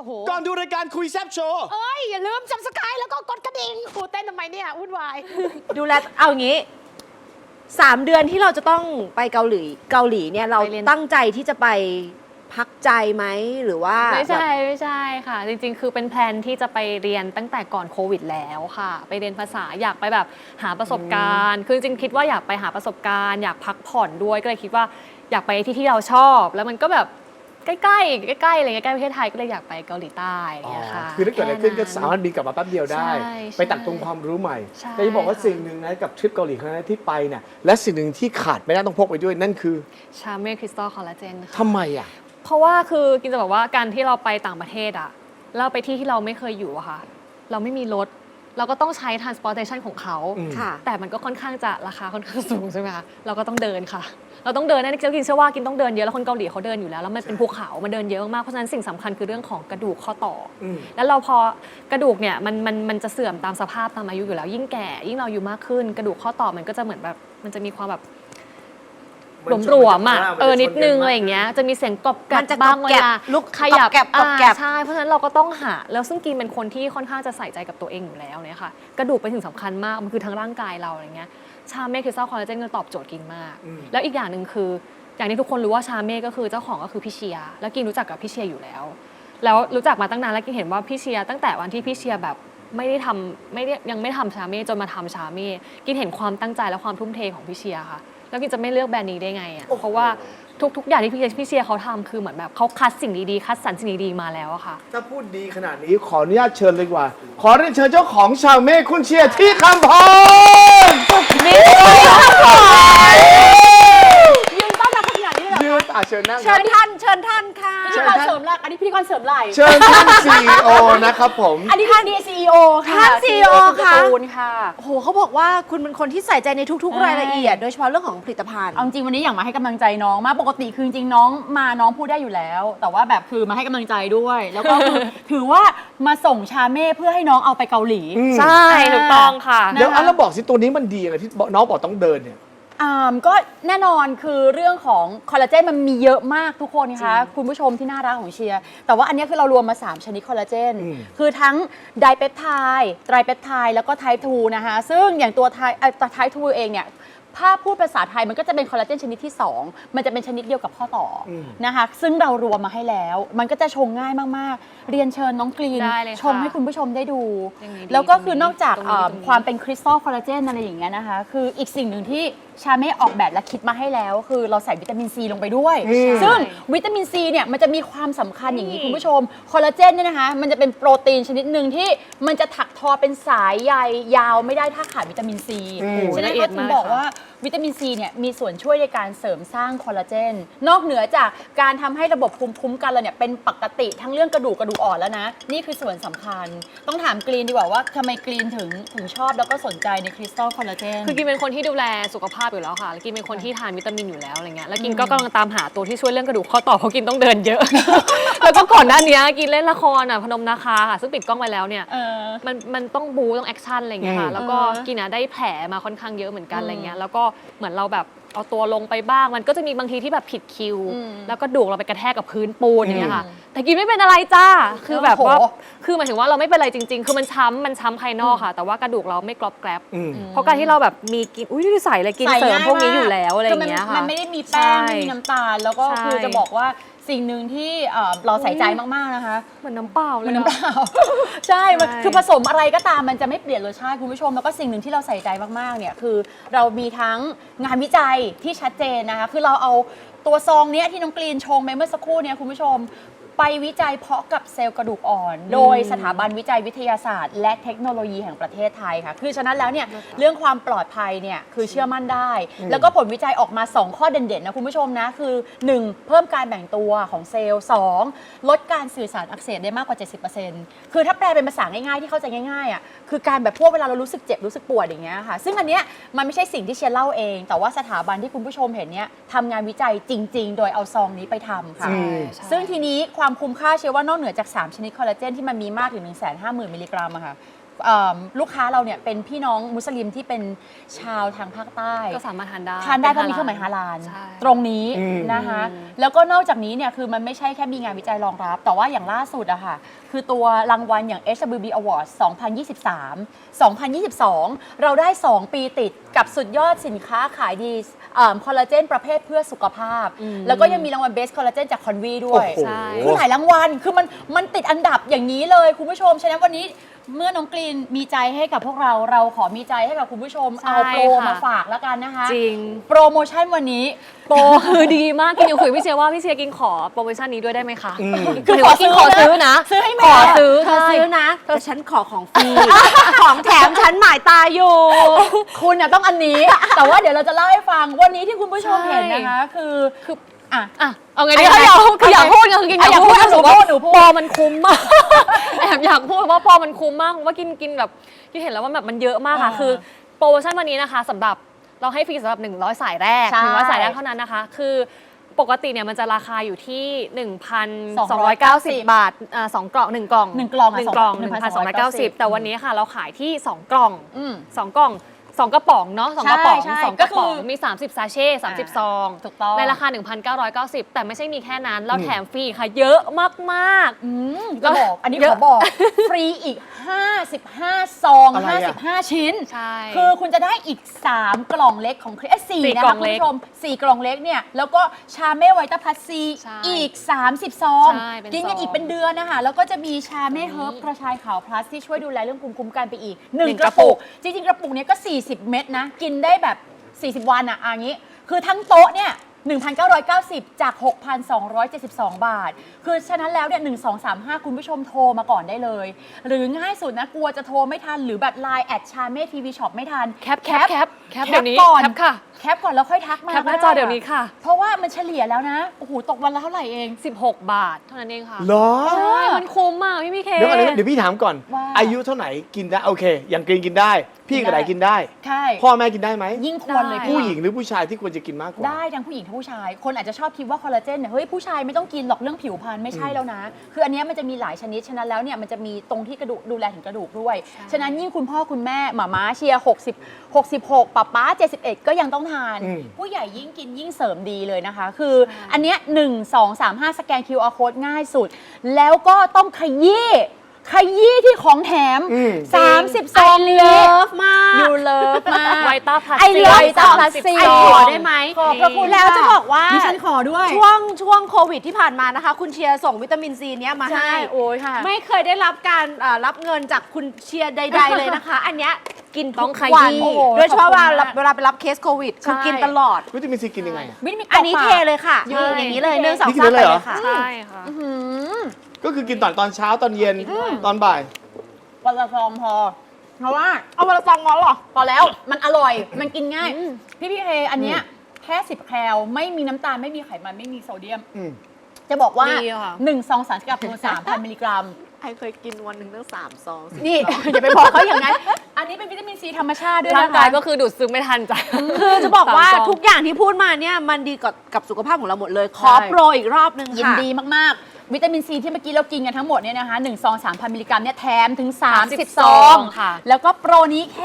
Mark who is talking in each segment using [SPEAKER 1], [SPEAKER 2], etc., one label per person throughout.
[SPEAKER 1] โห
[SPEAKER 2] ก่อนดูรายการคุยแซบโชว์
[SPEAKER 1] เอ้ยอย่าลืมซับสไครต์แล้วก็กดกระดิ่งครูเต้นทำไมเนี่ยวุ่นวาย
[SPEAKER 3] ดูแลเอาอย่างนี้3 เดือนที่เราจะต้องไปเกาหลีเนี่ยเราตั้งใจที่จะไปพักใจไหมหรือว่า
[SPEAKER 4] ไม่ใช่ค่ะจริงๆคือเป็นแพลนที่จะไปเรียนตั้งแต่ก่อนโควิดแล้วค่ะไปเรียนภาษาอยากไปแบบหาประสบการณ์คือจริงๆคิดว่าอยากไปหาประสบการณ์อยากพักผ่อนด้วยก็เลยคิดว่าอยากไปที่เราชอบแล้วมันก็แบบใกล้ๆอะไรเงี้ยใกล้ประเทศไทยก็เลยอยากไปเกาหลีใต้อะไรเงี้ยค่ะ
[SPEAKER 2] คือถ้าเกิดอะไรขึ้นก็สามารถบินกลับมาแป๊บเดียวได้
[SPEAKER 4] ใช่
[SPEAKER 2] ไปตักตรงความรู้ใหม่
[SPEAKER 4] ใช่
[SPEAKER 2] แต่จะบอกว่าสิ่งหนึ่งนะกับทริปเกาหลีครั้งนั้นที่ไปเนี่ยและสิ่งหนึ่งที่ขาดไม่ได้ต้องพกไปด้วยนั่นคือ
[SPEAKER 4] ชาเม่คริสตัลคอลลาเจนค่ะ
[SPEAKER 2] ทำไมอ่ะ
[SPEAKER 4] เพราะว่าคือกินจะบอกว่าการที่เราไปต่างประเทศอะเราไปที่เราไม่เคยอยู่อะค่ะเราไม่มีรถเราก็ต้องใช้ transportation ของเขา
[SPEAKER 3] ค่ะ
[SPEAKER 4] แต่มันก็ค่อนข้างจะราคาค่อนข้างสูงใช่ไหมคะเราก็ต้องเดินค่ะ เราต้องเดินนะกินเชื่อว่ากินต้องเดินเยอะแล้วคนเกาหลีเขาเดินอยู่แล้วแล้วมันเป็นภูเขามันเดินเยอะมากเพราะฉะนั้นสิ่งสำคัญคือเรื่องของกระดูกข้อต่ออแล้วเราพอกระดูกเนี่ยมันจะเสื่อมตามสภาพตามอายุอยู่แล้วยิ่งแก่ยิ่งเราอายุมากขึ้น กระดูกข้อต่อมันก็จะเหมือนแบบมันจะมีความแบบหลวมๆอ่ะนิดนึงอะไรอย่างเงี้ยจะมีเสียงกรอบแกร
[SPEAKER 3] มันจะ
[SPEAKER 4] บบ้าง
[SPEAKER 3] กรอบ
[SPEAKER 4] เว
[SPEAKER 3] แกรบ
[SPEAKER 4] ลา
[SPEAKER 3] ลุก
[SPEAKER 4] ขยับ
[SPEAKER 3] กรอบแกรบ
[SPEAKER 4] ใช่เพราะฉะนั้นเราก็ต้องหาแล้วซึ่งกินเป็นคนที่ค่อนข้างจะใส่ใจกับตัวเองอยู่แล้วเนี่ยค่ะกระดูกเป็นสิ่งสำคัญมากมันคือทั้งร่างกายเราอะไรเงี้ยชาเม่คริสตัลคอลลาเจนก็ตอบโจทย์กินมาก แล้วอีกอย่างหนึ่งคืออย่างที่ทุกคนรู้ว่าชาเม่ก็คือเจ้าของก็คือพี่เชียร์แล้วกินรู้จักกับพี่เชียร์อยู่แล้วรู้จักมาตั้งนานแล้วกินเห็นว่าพี่เชียร์ตั้งแต่วันที่พี่เชียร์แบบยังไม่ทำชาเม่จนมาทำชาเม่กินเห็นความตั้งใจและความทุ่มเทของพี่เชียร์ค่ะแล้วกินจะไม่เลือกแบรนด์นี้ได้ไงอ่ะเพราะว่าทุกอย่างที่พี่เชียร์เขาทำคือเหมือนแบบเขาคัดสิ่งดีๆคัดสรรสิ่งดีๆมาแล้วอะค่ะ
[SPEAKER 2] ถ้าพูดดีขนาดนี้ขออนุญาตเชิญเลยดีกว่า ขอเรียนเชิญเจ้าของชาวเม่คุณเชียร์ที่คำพรนี่
[SPEAKER 1] ยืนต้อนรับขนาดนี้เลยเหรอ
[SPEAKER 2] ยืนเชิญนั่ง
[SPEAKER 3] เชิญท่านค่ะ
[SPEAKER 1] พิธีกรเสริมหลักอันนี้พิธีกรเสริมไหล่
[SPEAKER 2] เชิญท่าน CEO นะครับผม
[SPEAKER 1] อันนี้ท่าน CEO ค่ะ
[SPEAKER 3] ท่าน CEO ค่ะ
[SPEAKER 1] การ์ตูนค่ะ
[SPEAKER 3] โอ้โหเขาบอกว่าคุณเป็นคนที่ใส่ใจในทุกๆ รายละเอียด โดยเฉพาะเรื่องของผลิตภัณฑ์
[SPEAKER 1] เอาจริงวันนี้อยากมาให้กำลังใจน้องมากปกติคือจริงๆน้องพูดได้อยู่แล้ว แต่ว่าแบบคือมาให้กำลังใจด้วย แล้วก็คือ ถือว่ามาส่งชาเม่เพื่อให้น้องเอาไปเกาหลี
[SPEAKER 4] ใช่ถูกต้องค่ะ
[SPEAKER 2] เดี๋ยวเราบอกสิตัวนี้มันดีอะไรที่น้องบอกต้องเดินเนี่ย
[SPEAKER 1] ก็แน่นอนคือเรื่องของคอลลาเจนมันมีเยอะมากทุกคนนะคะคุณผู้ชมที่น่ารักของเชียร์แต่ว่าอันนี้คือเรารวมมา3ชนิดคอลลาเจนคือทั้งไดเปปไทด์ไตรเปปไทด์แล้วก็ไทป์2นะคะซึ่งอย่างตัวไทป์2เองเนี่ยถ้าพูดภาษาไทยมันก็จะเป็นคอลลาเจนชนิดที่2มันจะเป็นชนิดเดียวกับข้อต่อนะคะซึ่งเรารวมมาให้แล้วมันก็จะชงง่ายมากๆเรียนเชิญน้องกรีน
[SPEAKER 4] ได้เลยค่ะ
[SPEAKER 1] ชมให้คุณผู้ชมได้ดู
[SPEAKER 4] อย่างนี้ดี
[SPEAKER 1] แล้วก็คือนอกจาก
[SPEAKER 4] ตรงนี้ตรงนี้
[SPEAKER 1] ความเป็นคริสตัลคอลลาเจนอะไรอย่างเงี้ยนะคะคืออีกสิ่งหนึ่งที่ชาเม่ออกแบบและคิดมาให้แล้ว คือเราใส่วิตามินซีลงไปด้วย ซึ่งวิตามินซีเนี่ยมันจะมีความสำคัญอย่างนี้คุณผู้ชมคอลลาเจนเนี่ยนะคะมันจะเป็นโปรตีนชนิดหนึ่งที่มันจะถักทอเป็นสายใยยาวไม่ได้ถ้าขาดวิตามินซีฉะนั้น
[SPEAKER 4] ละเอีย
[SPEAKER 1] เขา
[SPEAKER 4] ด
[SPEAKER 1] ถึ
[SPEAKER 4] มาง ก
[SPEAKER 1] บอก
[SPEAKER 4] ค่ะ
[SPEAKER 1] ว่าวิตามินซีเนี่ยมีส่วนช่วยในการเสริมสร้างคอลลาเจนนอกเหนือจากการทำให้ระบบภูมิคุ้มกันเราเนี่ยเป็นปกติทั้งเรื่องกระดูกอ่อนแล้วนะนี่คือส่วนสำคัญต้องถามกรีนดีกว่าว่าทำไมกรีนถึงชอบแล้วก็สนใจในคริสตัลคอลลาเจน
[SPEAKER 4] คือกินเป็นคนที่ดูแลสุขภาพอยู่แล้วค่ะแล้วกินเป็นคนที่ทานวิตามินอยู่แล้วอะไรเงี้ยแล้วกินก็กำลังตามหาตัวที่ช่วยเรื่องกระดูกข้อต่อเพราะกินต้องเดินเยอะ แล้วก็ก่อนหน้านี้กินเล่นละครพนมนาคาค่ะซึ่งปิดกล้องไปแล้วเนี่ยมันต้องบูต้องแอคชั่นอะไรเงี้ยค่ะแล้วก็กินได้แผลมาค่อนข้างเยอะเหมือนกันอะไรเงี้ยแล้วก็เหมือนเราแบบเอาตัวลงไปบ้างมันก็จะมีบางทีที่แบบผิดคิว แล้วก็ดูกเราไปกระแทกกับพื้นปูนอย่างเงี้ยค่ะแต่กินไม่เป็นอะไรจ้าคือแบบว่า
[SPEAKER 1] โอ้โห
[SPEAKER 4] คือหมายถึงว่าเราไม่เป็นอะไรจริงๆ คือมันช้ำภายนอกค่ะ แต่ว่ากระดูกเราไม่กรอบแกรบเพราะการที่เราแบบมีกินอุ้ยใส่เลยกินเสริมพวกนี้อยู่แล้วอะไรอย่างเงี้ยค่ะ
[SPEAKER 1] มันไม่ได้มีแป้งไม่มีน้ำตาล แล้วก็
[SPEAKER 4] ใช่
[SPEAKER 1] คือจะบอกว่าสิ่งหนึ่งที่เราใส่ใจมากๆนะคะ
[SPEAKER 4] เหมือนน้ำเปล่าเลย
[SPEAKER 1] มันน้ำเปล่า ใช่มันคือผสมอะไรก็ตามมันจะไม่เปลี่ยนรสชาติคุณผู้ชมแล้วก็สิ่งหนึ่งที่เราใส่ใจมากๆเนี่ยคือเรามีทั้งงานวิจัยที่ชัดเจนนะคะคือเราเอาตัวซองเนี้ยที่น้องกรีนชงไปเมื่อสักครู่เนี่ยคุณผู้ชมไปวิจัยเพาะกับเซลล์กระดูกอ่อน โดยสถาบันวิจัยวิทยาศาสตร์ และเทคโนโลยีแห่งประเทศไทยค่ะคือฉะนั้นแล้วเนี่ยเรื่องความปลอดภัยเนี่ยคือเชื่อมั่นได้ แล้วก็ผลวิจัยออกมา 2 ข้อเด่นๆนะคุณผู้ชมนะคือ 1. เพิ่มการแบ่งตัวของเซลล์ 2. ลดการสื่อสารอักเสบได้มากกว่า 70%คือถ้าแปลเป็นภาษาง่ายๆที่เข้าใจง่ายๆอ่ะคือการแบบพวกเวลาเรารู้สึกเจ็บรู้สึกปวดอย่างเงี้ยค่ะซึ่งอันเนี้ยมันไม่ใช่สิ่งที่เชียร์เล่าเอง แต่ว่าสถาบันที่คุณผู้ชมเห็นเนี่ยทำงานวิจัยจริง ๆ โดยเอาซองนี้ไปทำค่ะ
[SPEAKER 4] ใช่
[SPEAKER 1] ซึ่งทีนี้ความคุ้มค่าเชื่อว่านอกเหนือจาก 3 ชนิดคอลลาเจนที่มันมีมากถึง 150,000 มิลลิกรัมอะค่ะลูกค้าเราเนี่ยเป็นพี่น้องมุสลิมที่เป็นชาวทางภาคใต้
[SPEAKER 4] ก็สามารถทานได้
[SPEAKER 1] ทานได้เพราะมีเครื่องหมายฮาลาล
[SPEAKER 4] ใช่
[SPEAKER 1] ตรงนี้นะคะแล้วก็นอกจากนี้เนี่ยคือมันไม่ใช่แค่มีงานวิจัยรองรับ แต่ว่าอย่างล่าสุดอะค่ะคือตัวรางวัลอย่าง HWB Awards 2023 เราได้ 2 ปีติดกับสุดยอดสินค้าขายดีคอลลาเจนประเภทเพื่อสุขภาพ แล้วก็ยังมีรางวัล Best Collagen จาก Convi ด้วย
[SPEAKER 2] โอ้โห
[SPEAKER 4] ใช่
[SPEAKER 1] คือหลายรางวัล คือมันติดอันดับอย่างนี้เลยคุณผู้ชม ฉะนั้นวันนี้เมื่อน้องกรีนมีใจให้กับพวกเราขอมีใจให้กับคุณผู้ชม
[SPEAKER 4] ใช่
[SPEAKER 1] เอาโปร
[SPEAKER 4] ค่ะ
[SPEAKER 1] มาฝากแล้วกันนะคะ
[SPEAKER 4] จริง
[SPEAKER 1] โปรโมชั่นวันนี้
[SPEAKER 4] โปรคือดีมากกินยังคุยพี่เชียร์ว่าพี่เชียร์กินขอโปรโมชั่นนี้ด้วยได้ไหมคะ
[SPEAKER 1] คือ
[SPEAKER 4] หมายถึงว่ากินขอซื้อนะ
[SPEAKER 1] ซื้อให้แม่
[SPEAKER 4] ขอซื้อ
[SPEAKER 3] เธอ
[SPEAKER 4] ใช่
[SPEAKER 3] ซื้อนะแต่ฉันขอของฟรี ของแถมฉันหมายตาอยู่
[SPEAKER 1] คุณน่ะต้องอันนี้ แต่ว่าเดี๋ยวเราจะเล่าให้ฟังวันนี้ที่คุณผู้ชม
[SPEAKER 4] ใช่
[SPEAKER 1] เห็นนะคะคืออ่ะ
[SPEAKER 4] อ่ะเอาไง
[SPEAKER 1] อัน
[SPEAKER 4] ดี
[SPEAKER 1] นี้
[SPEAKER 4] คืออยากพูดกันคือกินอยากพูด
[SPEAKER 1] หนูพูดหนูพูด
[SPEAKER 4] ปอมันคุ้มมาก แอบอยากพูดว่าปอมันคุ้มมากเพราะว่ากินแบบที่เห็นแล้วว่าแบบมันเยอะมากค่ะ คือโปรโมชั่นวันนี้นะคะสำหรับเราให้ฟรีสำหรับ100สายแรก
[SPEAKER 1] ใช่
[SPEAKER 4] 100สายแรกเท่านั้นนะคะ คือปกติเนี่ยมันจะราคาอยู่ที่ 1,290 บาท2 กล่อง1 กล่อง
[SPEAKER 1] 1 กล่อง
[SPEAKER 4] 1 กล่อง 1,290 แต่วันนี้ค่ะเราขายที่ 2 กล่อง 2 กล่อง 2 กระป๋องเนาะ2กระป๋อง
[SPEAKER 1] ใช่
[SPEAKER 4] 2 กระป๋อง
[SPEAKER 1] ก็คือ
[SPEAKER 4] มี 30 ซาเช่30 ซอง
[SPEAKER 1] ถูกต้อง
[SPEAKER 4] ในราคา 1,990 แต่ไม่ใช่มีแค่นั้น เราแถมฟรีค่ะ เยอะมากๆ
[SPEAKER 1] จะบอกอันนี้
[SPEAKER 4] เย
[SPEAKER 1] ข
[SPEAKER 4] อะ
[SPEAKER 1] อบอก ฟรีอีก 55 ซอง
[SPEAKER 2] อะไรอะ
[SPEAKER 1] 55 ชิ้น
[SPEAKER 4] ใช่
[SPEAKER 1] คือคุณจะได้อีก 3 กล่องเล็กของคริส4
[SPEAKER 4] สี่
[SPEAKER 1] นะ
[SPEAKER 4] กล่
[SPEAKER 1] คะ
[SPEAKER 4] อง
[SPEAKER 1] คุณ
[SPEAKER 4] เล็ก
[SPEAKER 1] ผู้ชม 4 กล่องเล็กเนี่ย แล้วก็ชาเม่ไวต้าพลัสซี
[SPEAKER 4] ใช่
[SPEAKER 1] อีก 30 ซอง
[SPEAKER 4] ใช่เป็น
[SPEAKER 1] กินกัน
[SPEAKER 4] ซอง
[SPEAKER 1] อีกเป็นเดือนนะคะ แล้วก็จะมีชาเม่เฮิร์บกระชายขาวพลัสที่ช่วยดูแลเรื่องภูมิคุ้มกันไปอีก
[SPEAKER 4] หนึ่ง
[SPEAKER 1] 1 กระปุก จริงๆ กระปุกเนี้ยก็ 40 เม็ดนะ กินได้แบบ 40 วันอ่ะอย่างนี้ คือทั้งโต๊ะเนี่ย 1,990 จาก 6,272 บาท คือฉะนั้นแล้วเนี่ย1235 คุณผู้ชมโทรมาก่อนได้เลย หรือง่ายสุดนะ กลัวจะโทรไม่ทัน หรือแบบ Line แอดชาเม่ทีวีช็อปไม่ทัน
[SPEAKER 4] แคปเดี๋ยวนี้
[SPEAKER 1] ก่อน
[SPEAKER 4] แคปค่ะ
[SPEAKER 1] แคปก่อนแล้วค่อยทักมา
[SPEAKER 4] แคปหน้าจอเดี๋ยวนี้ค่ะ
[SPEAKER 1] เพราะว่ามันเฉลี่ยแล้วนะ โอ้โห ตกวันละเท่าไหร่เอง
[SPEAKER 4] 16 บาทเท่านั้นเองค่ะ
[SPEAKER 2] เหรอ
[SPEAKER 4] ใช่มันคุ้มมากพี่เค
[SPEAKER 2] เดี๋ยวก่อนนะเดี๋ยวพี่ถามก่อน
[SPEAKER 1] ว่า
[SPEAKER 2] อายุเท่าไหร่กินได้โอเค อย่างกรีนกินได้ พี่กับไหนกินได้
[SPEAKER 1] ใช่
[SPEAKER 2] พ่อแม่กินได้ไหม
[SPEAKER 1] ยิ่งควรเลย
[SPEAKER 4] ได้
[SPEAKER 2] ผู้หญิงหรือผู้ชายที่ควรจะกินมากกว่า
[SPEAKER 1] ได้ทั้งผู้หญิงทั้งผู้ชาย คนอาจจะชอบคิดว่าคอลลาเจนเนี่ย เฮ้ย ผู้ชายไม่ต้องกินหรอกเรื่องผิวพรรณไม่ใช่แล้วนะ คืออันเนี้ยมันจะมีหลายชนิด ฉะนั้นแล้วเนี่ยมันจะมีตรงที่กระดูกดูแลถึงกระดูกด้วย ฉะนั้นยิ่งคุณพ่อคุณแม่หม่าม้าเชียร์60 66ป๊าป๊า71 ก็ยังต้องทาน
[SPEAKER 2] อืม
[SPEAKER 1] ผู้ใหญ่ยิ่งกินยิ่งเสริมดีเลยนะคะ คืออันเนี้ย1 2 3 5 สแกน QR code ง่ายสุด แล้วก็ต้องขยี้ที่ของแถม 30 ซอง
[SPEAKER 3] เลิ
[SPEAKER 1] นี้
[SPEAKER 3] ฟมาก
[SPEAKER 1] ยูเลิฟมาก
[SPEAKER 4] ไวต้าพลัส
[SPEAKER 3] ไอเลิฟ
[SPEAKER 1] ไวต้าพลัส
[SPEAKER 3] ไอขอได้ไหม
[SPEAKER 1] ขอบพระคุณ
[SPEAKER 3] แล้วจะบอกว่า
[SPEAKER 1] ดิฉันขอด้วย
[SPEAKER 3] ช่วงโควิดที่ผ่านมานะคะ คุณเชียร์ส่งวิตามินซีเนี้ยมา
[SPEAKER 1] ใช่
[SPEAKER 3] ให้
[SPEAKER 1] โอ้ยค่ะ
[SPEAKER 3] ไม่เคยได้รับการรับเงินจากคุณเชียร์ใด ๆ เลยนะคะ อันเนี้ยกิน
[SPEAKER 4] ต้
[SPEAKER 3] ทุ
[SPEAKER 4] อง
[SPEAKER 3] ก
[SPEAKER 4] ข
[SPEAKER 3] วัน
[SPEAKER 4] ยี้
[SPEAKER 1] โอ้โห
[SPEAKER 3] โดยเฉพาะ
[SPEAKER 1] ขอบคุณมาก
[SPEAKER 3] เวลาไปรับเคสโควิดคือ
[SPEAKER 1] ใช่
[SPEAKER 3] กินตลอด
[SPEAKER 2] วิตามินซีกินยังไงอะ
[SPEAKER 1] วิตามิน
[SPEAKER 3] อันนี้
[SPEAKER 1] กรก
[SPEAKER 3] เท
[SPEAKER 1] ปาก
[SPEAKER 3] เลยค่ะ
[SPEAKER 1] นี่
[SPEAKER 3] อย่างนี้เลย1 2
[SPEAKER 2] นี่กิน
[SPEAKER 3] 3
[SPEAKER 2] ได้
[SPEAKER 3] ไป
[SPEAKER 2] เลยเหรอ
[SPEAKER 3] เลยค่ะ
[SPEAKER 4] ใช่ค่ะ
[SPEAKER 2] ก็คือกินตอนเช้าตอนเย็นตอนบ่าย
[SPEAKER 1] วันละซองพอ เพราะว่า
[SPEAKER 3] เอาวันละซองงั้นเหรอ
[SPEAKER 1] พอแล้วมันอร่อย มันกินง่าย พี่เคอันเนี้ยแค่10 แคลไม่มีน้ำตาลไม่มีไขมันไม่มีโซเดียม จะบอกว่า
[SPEAKER 4] ดีค่ะ
[SPEAKER 1] 1 ซองสารสกัดโปร 3,000 มิลลิกรัม
[SPEAKER 3] ไอเคยกินวันหนึ่งตั้ง3 ซอง
[SPEAKER 1] นี่ อย่าไปบอกเขาอย่างนั้น อันนี้เป็นวิตามินซีธรรมชาติด้วย
[SPEAKER 4] ร่าง
[SPEAKER 1] นะคะ
[SPEAKER 4] กายก็คือดูดซึมไม่ทันจ้ะ
[SPEAKER 3] คือจะบอกว่า
[SPEAKER 4] 3 ซอง
[SPEAKER 3] ทุกอย่างที่พูดมาเนี่ยมันดีกับสุขภาพของเราหมดเลย ขอ
[SPEAKER 1] ใช่
[SPEAKER 3] โปรอีกรอบนึง
[SPEAKER 1] ยิน
[SPEAKER 3] ค่ะ
[SPEAKER 1] ดีมาก ๆ วิตามินซีที่เมื่อกี้เรากินกันทั้งหมดเนี่ยนะคะ1 ซอง 3,000 มิลลิกรัมเนี่ยแถมถึง 30 ซอง
[SPEAKER 4] ค่ะ
[SPEAKER 1] แล้วก็โปรนี้แค่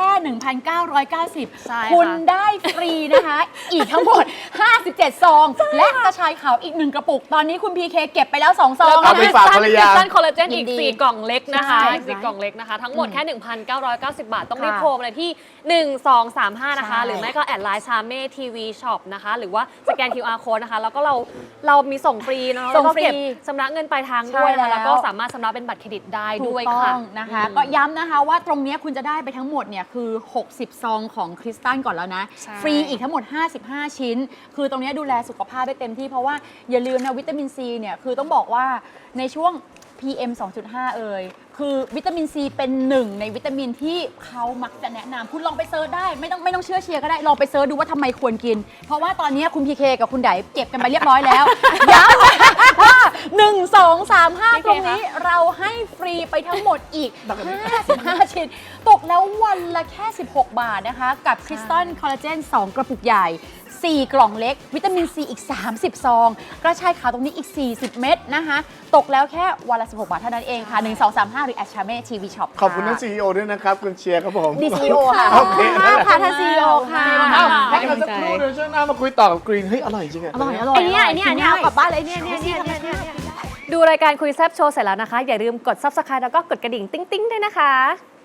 [SPEAKER 1] 1,990
[SPEAKER 4] ใช่ค่ะ
[SPEAKER 1] คุณได้ฟรีนะคะ อีกทั้งหมด 57 ซอง และกระชายขาวอีก 1 กระปุก ตอนนี้คุณพีเคเก็บไปแล้ว 2 ซอง
[SPEAKER 2] เอาไป
[SPEAKER 1] นะ
[SPEAKER 2] ฝากภรรยา
[SPEAKER 4] คอลลาเจนอีก
[SPEAKER 1] ยินดี
[SPEAKER 4] 4 กล่องเล็กนะคะ
[SPEAKER 1] ใช่
[SPEAKER 4] อีก4กล่องเล็กนะคะ ทั้งหมดแค่ 1,990 บาท ต้องรีบ
[SPEAKER 1] ค่ะ
[SPEAKER 4] โทรมาเลยที่ 1235 นะคะ
[SPEAKER 1] ใช่
[SPEAKER 4] หรือไม่ก็แอดไลน์ชาเม่ทีวีช็อปนะคะ หรือว่าสแกน QR code นะคะ แล้วก็เรามีส่งฟรีเนาะ
[SPEAKER 1] ส่ง
[SPEAKER 4] แล้วก็
[SPEAKER 1] ฟรี
[SPEAKER 4] เก็บชำระเงินปลายทางด้วย
[SPEAKER 1] ใช่แล้
[SPEAKER 4] นะ
[SPEAKER 1] ว
[SPEAKER 4] แล้วก็สามารถชำระเป็นบัตรเครดิตได้
[SPEAKER 1] ถู
[SPEAKER 4] ด้
[SPEAKER 1] ก
[SPEAKER 4] วย
[SPEAKER 1] ต้
[SPEAKER 4] ค่ะ
[SPEAKER 1] องนะคะ ก็ย้ำนะคะว่าตรงเนี้ยคุณจะได้ไปทั้งหมดเนี่ยคือ 60 ซองของคริสตัลก่อนแล้วนะ
[SPEAKER 4] ใช่
[SPEAKER 1] ฟรีอีกทั้งหมด 55 ชิ้น คือตรงเนี้ยดูแลสุขภาพได้เต็มที่เพราะว่าอย่าลืมนะวิตามินซีเนี่ยคือต้องบอกว่าในช่วง PM 2.5 เอ่ยคือวิตามินซีเป็นหนึ่งในวิตามินที่เขามักจะแนะนำคุณลองไปเซิร์ชได้ไม่ต้องเชื่อเชียร์ก็ได้ลองไปเซิร์ชดูว่าทำไมควรกิน เพราะว่าตอนนี้คุณพีเคกับคุณไดเก็บกันไปเรียบร้อยแล้ว ย้ำว่า 1 2 3 5 ตรงนี้เราให้ฟรีไปทั้งหมดอีก 55 ชิ้น ตกแล้ววันละแค่ 16 บาทนะคะ กับคริสตัลคอลลาเจน 2 กระปุกใหญ่ 4 กล่องเล็ก วิตามินซีอีก 30 ซอง กระชายขาวตรงนี้อีก 40 เม็ดนะคะ ตกแล้วแค่วันละ 16 บาทเท่านั้นเองค่ะ 1 2 3 5 หรือแอชเม่ทีวีช็อป
[SPEAKER 2] ขอบคุณท่าน CEO ด้วยนะครับ คุณเชียร์ครับผม
[SPEAKER 3] ดีซีโอค่ะ
[SPEAKER 2] โอเค
[SPEAKER 3] ขอบคุณมากค่ะท่านซีโอค่ะ
[SPEAKER 2] อ้าวพักกันสักครู่เดี๋ยวช่วงหน้ามาคุยต่อกับกรีน เฮ้ย อร่อยจริงอะ
[SPEAKER 1] อร่อยอร่อย
[SPEAKER 3] ไอเนี้ยเอากลับบ้านเลยเนี่ย
[SPEAKER 4] ดูรายการคุยแซบโชว์เสร็จแล้วนะคะ อย่าลืมกด subscribe แล้วก็กดกระดิ่งติ๊งๆด้วยนะคะ